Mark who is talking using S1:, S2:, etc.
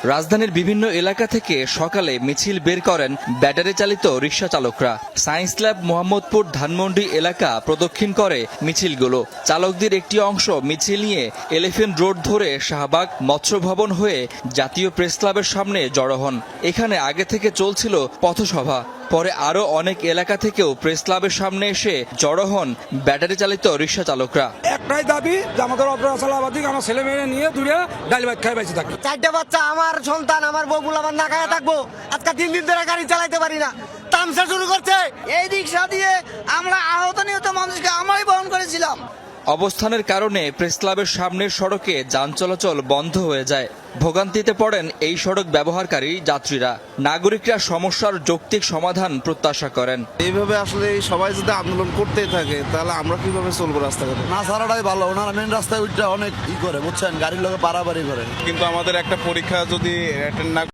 S1: রাজধানীর বিভিন্ন এলাকা থেকে সকালে মিছিল বের করেন ব্যাটারি চালিত রিকশা চালকরা। সায়েন্স ল্যাব, মোহাম্মদপুর, ধানমন্ডি এলাকা প্রদক্ষিণ করে মিছিলগুলো। চালকদের একটি অংশ মিছিল নিয়ে এলিফ্যান্ট রোড ধরে শাহবাগ, মৎস্য ভবন হয়ে জাতীয় প্রেস ক্লাবের সামনে জড়ো হন। এখানে আগে থেকে চলছিল পথসভা। পরে আরো অনেক এলাকা থেকেও প্রেস ক্লাবের সামনে এসে জড়ো হন ব্যাটারি চালিত রিকশা চালকরা।
S2: একটাই দাবি যে আমাদের অপরাধী আমার ছেলে মেয়ে নিয়ে দূরে ডাল ভাত খাই বেঁচে থাকি।
S3: চারটে বাচ্চা, আমার সন্তান, আমার বউগুলো আমার না খায়া থাকবো। আজকে 3 দিন ধরে গাড়ি চালাইতে পারি না, তামসা শুরু করছে।
S4: এই রিক্সা দিয়ে আমরা আহত নিহত মানুষকে আমরাই বহন করেছিলাম।
S1: অবস্থানের কারণে প্রেস ক্লাবের সামনের সড়কে যান চলাচল বন্ধ হয়ে যায়। ভোগান্তিতে পড়েন এই সড়ক ব্যবহারকারী যাত্রীরা। নাগরিকরা সমস্যার যৌক্তিক সমাধান প্রত্যাশা করেন।
S5: এইভাবে আসলে সবাই যদি আন্দোলন করতেই থাকে তাহলে আমরা কিভাবে চলবো রাস্তাঘাটে?
S6: না ছাড়াটাই ভালো। ওনারা মেন রাস্তায় উঠটা অনেক ই করে, বুঝছেন, গাড়ির লোকে পারাপারি করে।
S5: কিন্তু আমাদের একটা পরীক্ষা যদি অ্যাটেন্ড না